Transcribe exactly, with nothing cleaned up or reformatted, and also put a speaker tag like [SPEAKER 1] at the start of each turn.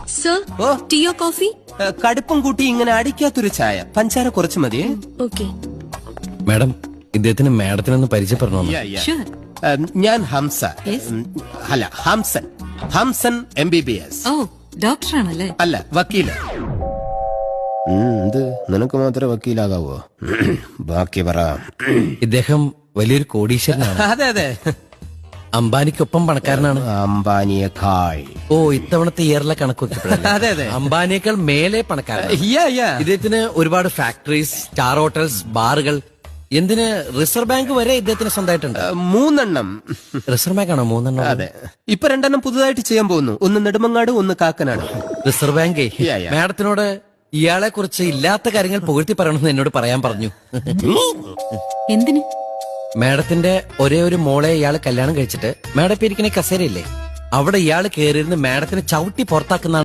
[SPEAKER 1] Sir
[SPEAKER 2] ഓ
[SPEAKER 1] ടീയോ coffee?
[SPEAKER 2] ഏ, കടുപ്പം കൂട്ടി ഇങ്ങനെ അടിക്കാത്തൊരു ചായ, പഞ്ചാര കുറച്ച് മതിയേ.
[SPEAKER 1] ഓക്കെ.
[SPEAKER 3] മാഡം, ഇദ്ദേഹത്തിന് മാഡത്തിനൊന്ന് പരിചയപ്പെടണോ?
[SPEAKER 1] ഷുവർ.
[SPEAKER 2] ഏ, ഞാൻ ഹംസ.
[SPEAKER 1] Yes.
[SPEAKER 2] ഉം, അല്ല Hamsan. Hamsan M B B S.
[SPEAKER 1] ഓ ഡോക്ടറാണല്ലേ?
[SPEAKER 2] അല്ല വക്കീല്. ഇത് നിനക്ക് മാത്രമേ വക്കീലാകാവോ? ബാക്കി പറ.
[SPEAKER 3] ഇദ്ദേഹം വലിയൊരു കോടീശ്വരനാണ്.
[SPEAKER 2] അതെ അതെ,
[SPEAKER 3] അംബാനിക്കൊപ്പം പണക്കാരനാണ്.
[SPEAKER 2] അംബാനിയേക്കാൾ.
[SPEAKER 3] ഓ, ഇത്തവണത്തെ ഇയറിലെ കണക്ക് വെക്കപ്പെടില്ല.
[SPEAKER 2] അതെ അതെ,
[SPEAKER 3] അംബാനിയേക്കാൾ മേലെ പണക്കാരനാണ്.
[SPEAKER 2] യാ, യാ.
[SPEAKER 3] ഇദ്ദേഹത്തിന് ഒരുപാട് ഫാക്ടറീസ്, സ്റ്റാർ ഹോട്ടൽസ്, ബാറുകൾ, എന്തിന് റിസർവ് ബാങ്ക് വരെ ഇദ്ദേഹത്തിന് സ്വന്തമായിട്ടുണ്ട്.
[SPEAKER 2] ഏ, മൂന്നെണ്ണം.
[SPEAKER 3] റിസർവ് ബാങ്ക് ആണോ മൂന്നെണ്ണം?
[SPEAKER 2] അതെ, ഇപ്പൊ രണ്ടെണ്ണം പുതുതായിട്ട് ചെയ്യാൻ പോകുന്നു. ഒന്ന് നെടുമങ്ങാട്, ഒന്ന് കാക്കനാട്.
[SPEAKER 3] റിസർവ് ബാങ്കേ
[SPEAKER 2] യാ, യാ.
[SPEAKER 3] മാഡത്തിനോട് ഇയാളെ കുറിച്ച് ഇല്ലാത്ത കാര്യങ്ങൾ പുകഴ്ത്തി പറയണമെന്ന് എന്നോട് പറയാൻ പറഞ്ഞു.
[SPEAKER 1] എന്തിന്?
[SPEAKER 3] മാഡത്തിന്റെ ഒരേ ഒരു മോളെ ഇയാള് കല്യാണം കഴിച്ചിട്ട് മാഡം ഇപ്പൊ ഇരിക്കണ കസേരയില്ലേ, അവിടെ ഇയാള് കയറിയിരുന്ന് മാഡത്തിന് ചവിട്ടി പുറത്താക്കുന്ന